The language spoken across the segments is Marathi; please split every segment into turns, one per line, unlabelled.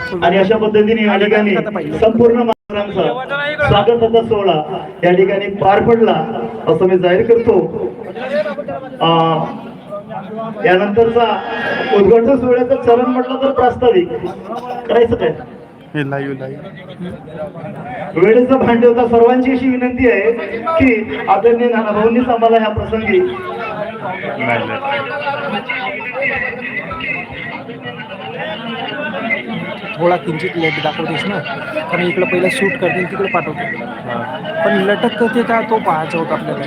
आणि अशा पद्धतीने या ठिकाणी संपूर्ण महाराजांचा स्वागताचा सोहळा या ठिकाणी पार पडला असं मी जाहीर करतो. यानंतरचा उद्घाटन सोहळ्याचं चरण म्हटलं तर प्रास्ताविक करायचं काय वेळेचा भान ठेवता सर्वांची अशी विनंती आहे की आदरणीय नानाभाऊंनीच आम्हाला ह्या प्रसंगी
थोडा किंचित लेट दाखवतेस ना, कारण इकडं पहिलं शूट करतील तिकडे पाठवतो, पण लटक ते का तो पाहायचा होता आपल्याला.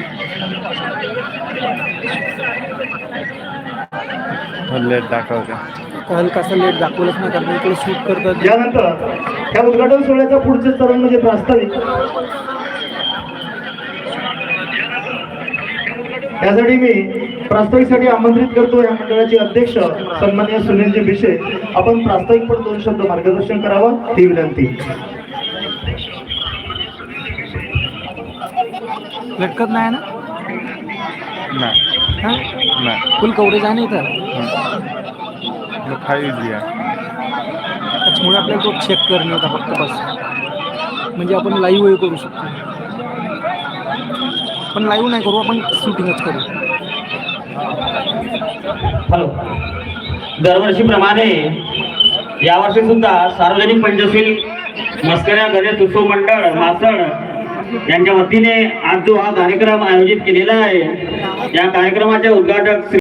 लेट दाखवते
हलकासा लेट दाखवलंच नाही, कारण इकडे शूट करतात.
यानंतर ह्या उद्घाटन सोहळ्याचा पुढचे चरण म्हणजे प्रास्ताविक. यासाठी मी प्रास्ताविकसाठी आमंत्रित करतो या मंडळाचे अध्यक्ष सन्माननीय सुनीलजी भिशे. आपण प्रास्ताविक पण 2 शब्द मार्गदर्शन करावं ही विनंती.
लटकत नाही ना,
नाही
फुल कव्हरेज आहे ना इथं. त्याच्यामुळे आपल्याला तो चेक करणे होता फक्त बस, म्हणजे आपण लाईव्ह करू शकतो. पण लाईव्ह नाही करू, आपण शूटिंगच करू.
हॅलो, दरवर्षीप्रमाणे यावर्षी सुद्धा सार्वजनिक पंचशील मस्कऱ्या गणेश उत्सव मंडळ मासळ यांच्या वतीने आज जो हा कार्यक्रम आयोजित केलेला आहे, या कार्यक्रमाचे उद्घाटक